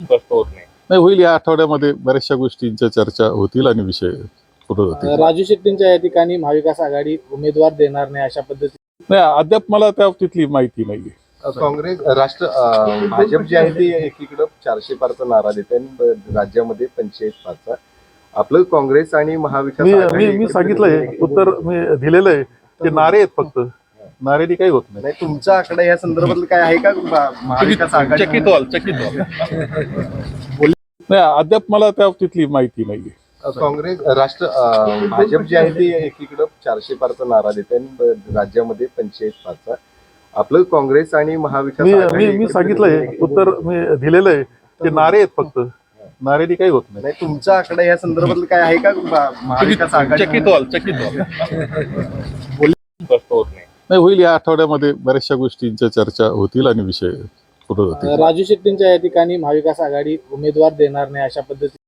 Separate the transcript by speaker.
Speaker 1: स्पष्ट होत नाही.
Speaker 2: नाही, होईल. या आठवड्यामध्ये बऱ्याचशा गोष्टींच्या चर्चा होतील आणि विषय पुढे जातील.
Speaker 3: राजू शेट्टींच्या या ठिकाणी महाविकास आघाडी उमेदवार देणार नाही अशा पद्धतीने
Speaker 2: नाही, अद्याप मला त्या तिथली माहिती नाहीये.
Speaker 4: काँग्रेस भाजप जे आहे ते एकीकडे 400 पारचा नारा देते आणि राज्यामध्ये 45 पारचा. आपलं काँग्रेस आणि महाविकास
Speaker 2: मी सांगितलंय, उत्तर मी दिलेलं आहे. ते नारे आहेत, फक्त नारेनी काही होत नाही.
Speaker 4: तुमचा आकडा या संदर्भात काय आहे का? महाविकास आघाडी
Speaker 2: चकित व्हाल. नाही, अद्याप मला त्या तिथली माहिती नाहीये.
Speaker 4: काँग्रेस भाजप जे आहे ते एकीकडे 400 पारचा नारा देते आणि राज्यामध्ये 45 पारचा. आपलं काँग्रेस आणि महाविकास
Speaker 2: मी सांगितलंय, उत्तर मी दिलेलं आहे. ते नारे आहेत, फक्त नारेनी काही होत नाही.
Speaker 4: तुमचा आकडा या संदर्भात काय आहे का? महाविकास आघाडी
Speaker 2: चकित व्हाल.
Speaker 1: स्पष्ट होत नाही.
Speaker 2: नाही, होईल. या आठवड्यामध्ये बऱ्याचशा गोष्टींच्या चर्चा होतील आणि विषय पुढे जातील.
Speaker 3: राजू शेट्टींच्या या ठिकाणी महाविकास आघाडी उमेदवार देणार नाही अशा पद्धतीने